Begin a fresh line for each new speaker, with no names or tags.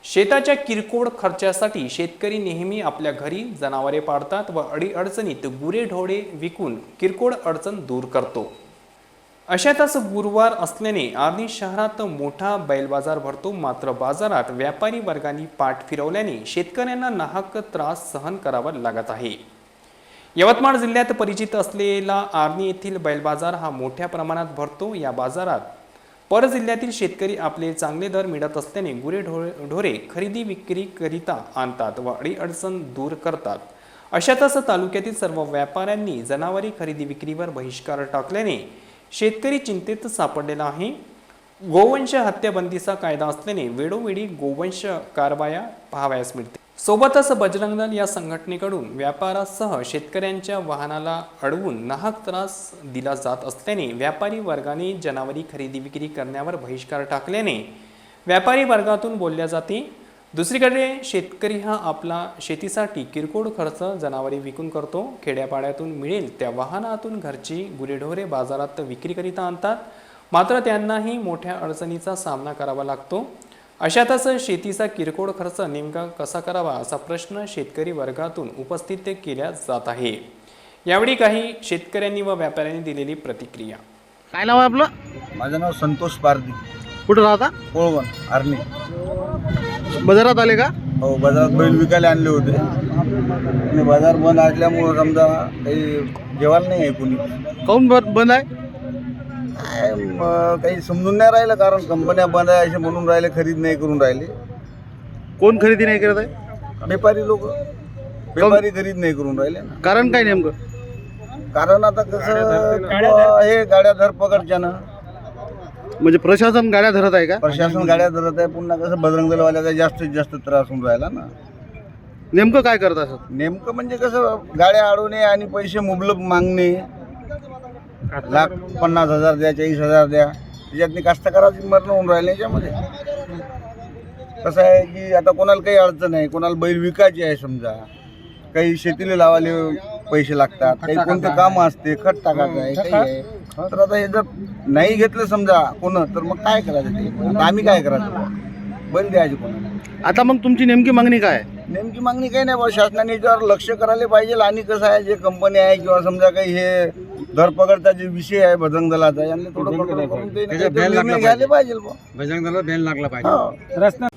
शेताच्या किरकोळ खर्चासाठी शेतकरी नेहमी आपल्या घरी जनावरे पाळतात व अडीअडचणीत गुरेढोरे विकून किरकोळ अडचण दूर करतो। अशातच गुरुवार असल्याने आर्णी शहरात मोठा बैल बाजार भरतो। मात्र बाजारात व्यापारी वर्गाने पाठ फिरवल्याने शेतकऱ्यांना नाहक त्रास सहन करावा लागत आहे। यवतमाळ जिल्ह्यात परिचित असलेला आर्णी येथील बैल बाजार हा मोठ्या प्रमाणात भरतो। या बाजारात पर जिल्ह्यातील शेतकरी आपले चांगले दर मिळत असल्याने गुरेढोरे खरेदी विक्री करिता आणतात व अडीअडचण दूर करतात। अशातच तालुक्यातील सर्व व्यापाऱ्यांनी जनावरे खरेदी विक्रीवर बहिष्कार टाकल्याने शेतकरी चिंतेत सापडलेला आहे। गोवंश हत्याबंदीचा कायदा असल्याने वेळोवेळी गोवंश कारवाया पाहावयास मिळते। सोबतच बजरंग दल या संघटनेकडून व्यापारासह शेतकऱ्यांच्या वाहनाला अडवून नाहक त्रास दिला जात असल्याने व्यापारी वर्गाने जनावरी खरेदी विक्री करण्यावर बहिष्कार टाकल्याने व्यापारी वर्गातून बोलल्या जाते। दुसरीकडे शेतकरी हा आपला शेतीसाठी किरकोळ खर्च जनावरे विकून करतो। खेड्यापाड्यातून मिळेल त्या वाहनातून घरची गुरेढोरे बाजारात विक्रीकरिता आणतात, मात्र त्यांनाही मोठ्या अडचणीचा सामना करावा लागतो। अशातच शेतीचा किरकोळ खर्च नेमका कसा करावा असा प्रश्न शेतकरी वर्गातून उपस्थित केला जात आहे। यावेळी काही शेतकऱ्यांनी व व्यापाऱ्यांनी दिलेली प्रतिक्रिया।
काय नाव आहे आपलं?
माझं नाव संतोष पारदी,
कुठं राहता?
कोळवण, आर्णी।
बाजारात आले का?
हो, बाजारात बैल विकायला आणले होते आणि बाजार बंद असल्यामुळं समजा काही जेवायला नाही आहे कोणी।
काऊन बंद आहे?
काही समजून नाही राहिलं, कारण कंपन्या बंद आहे असे म्हणून राहिले, खरीद नाही करून राहिले।
कोण खरेदी नाही करत आहे?
व्यापारी लोक, व्यापारी खरीद नाही करून राहिले ना।
कारण काय नेमकं?
कारण आता कसं हे गाड्या धरपकडच्यानं
म्हणजे प्रशासन गाड्या धरत आहे का?
प्रशासन गाड्या धरत आहे। पुन्हा कसं बजरंग दलवाल्याचा जास्तीत जास्त त्रास होऊन राहिला ना।
नेमकं काय करत असत?
नेमकं म्हणजे कसं गाड्या अडवणे आणि पैसे मुबलक मागणे, लाख 50,000 द्या, 40,000 द्या, त्याच्यातनी कास्तकाराची मरण होऊन राहिले। याच्यामध्ये कसं आहे की आता कोणाला काही अडचण आहे, कोणाला बैल विकायची आहे, समजा काही शेतीला लावायला पैसे लागतात, काही कोणते कामं असते, खत टाकायचं आहे, काही आहे। तर आता हे जर नाही घेतलं समजा कोण, तर मग काय करायचं ते? आता आम्ही काय करायचं? बैल द्यायचे कोणाला?
आता मग तुमची नेमकी मागणी काय आहे?
नेमकी मागणी काही नाही बा, शासनाने याच्यावर लक्ष करायला पाहिजे। आणि कसं आहे, जे कंपनी आहे किंवा समजा काही हे धरपकडचा जे विषय आहे बजरंग दलाचा, यांनी थोडं निर्णय घ्यायला पाहिजे बा।
बजरंग दलाला बेल लागला पाहिजे।